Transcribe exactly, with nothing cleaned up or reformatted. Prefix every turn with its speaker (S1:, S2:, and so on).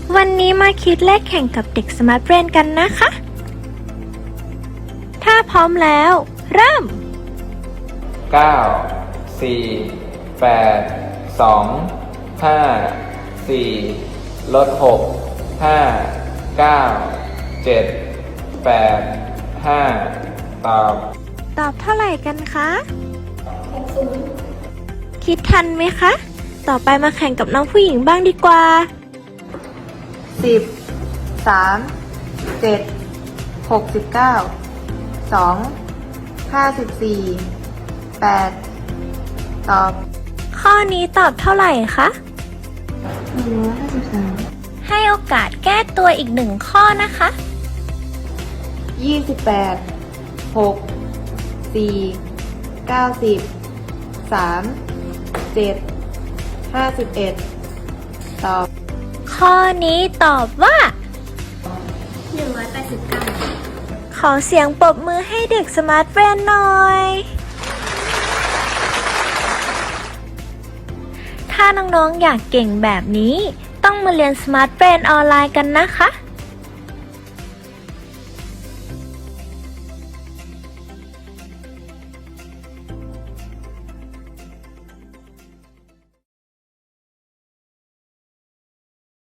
S1: วันนี้มาคิดเลขแข่งกับเด็กสมาร์ทเบรนกันนะคะ ถ้าพร้อมแล้ว เริ่ม
S2: เก้า สี่ แปด สอง ห้า สี่ ลดหก ห้า เก้า เจ็ด แปด ห้า ตอบ
S1: ตอบเท่าไหร่กันคะคิดทันไหมคะ ต่อไปมาแข่งกับน้องผู้หญิงบ้างดีกว่า
S3: สิบ สาม เจ็ด หกสิบเก้า สอง ห้าสิบสี่ แปด ตอบ
S1: ข้อนี้ตอบเท่าไหร่คะ
S3: หนึ่งร้อยห้าสิบสาม
S1: ให้โอกาสแก้ตัวอีกหนึ่งข้อนะคะ
S3: ยี่สิบแปด หก สี่ เก้าสิบ สาม เจ็ด ห้าสิบเอ็ด ตอบ
S1: ข้อนี้ตอบว่า
S3: หนึ่งร้อยแปดสิบเก้า
S1: ขอเสียงปรบมือให้เด็กสมาร์ทเบรนหน่อย ถ้าน้องๆอยากเก่งแบบนี้ ต้องมาเรียนสมาร์ทเบรนออนไลน์กันนะคะ